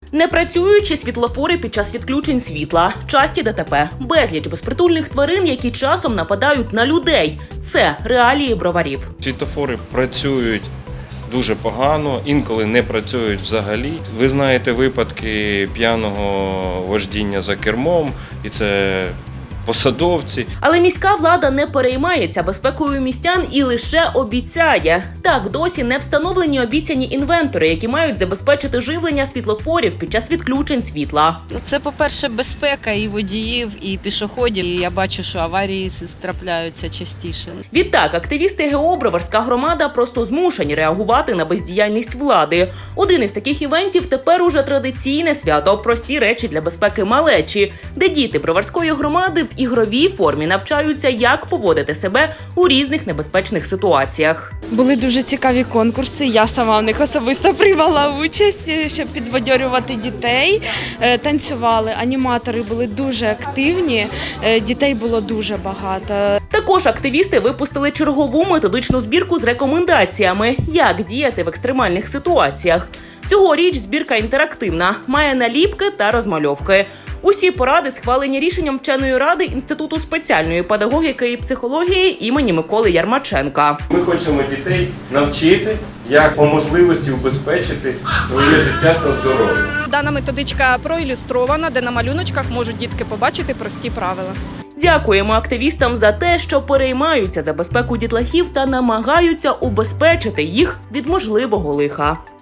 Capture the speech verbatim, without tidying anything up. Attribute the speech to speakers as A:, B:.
A: Непрацюючі світлофори під час відключень світла, часті ДТП, безліч безпритульних тварин, які часом нападають на людей. Це реалії броварів.
B: Світлофори працюють дуже погано, інколи не працюють взагалі. Ви знаєте випадки п'яного вождіння за кермом, і це посадовці.
A: Але міська влада не переймається безпекою містян і лише обіцяє. Так, досі не встановлені обіцяні інвентори, які мають забезпечити живлення світлофорів під час відключень світла.
C: Це, по-перше, безпека і водіїв, і пішоходів. І я бачу, що аварії трапляються частіше.
A: Відтак, активісти ГО «Броварська громада» просто змушені реагувати на бездіяльність влади. Один із таких івентів тепер уже традиційне свято «Прості речі для безпеки малечі», де діти Броварської громади в ігровій формі навчаються, як поводити себе у різних небезпечних ситуаціях.
D: Були дуже цікаві конкурси, я сама в них особисто приймала участь, щоб підбадьорювати дітей. Танцювали, аніматори були дуже активні, дітей було дуже багато.
A: Також активісти випустили чергову методичну збірку з рекомендаціями, як діяти в екстремальних ситуаціях. Цьогоріч збірка інтерактивна, має наліпки та розмальовки. Усі поради схвалені рішенням вченої ради Інституту спеціальної педагогіки і психології імені Миколи Ярмаченка.
B: Ми хочемо дітей навчити, як по можливості убезпечити своє життя та здоров'я.
E: Дана методичка проілюстрована, де на малюночках можуть дітки побачити прості правила.
A: Дякуємо активістам за те, що переймаються за безпеку дітлахів та намагаються убезпечити їх від можливого лиха.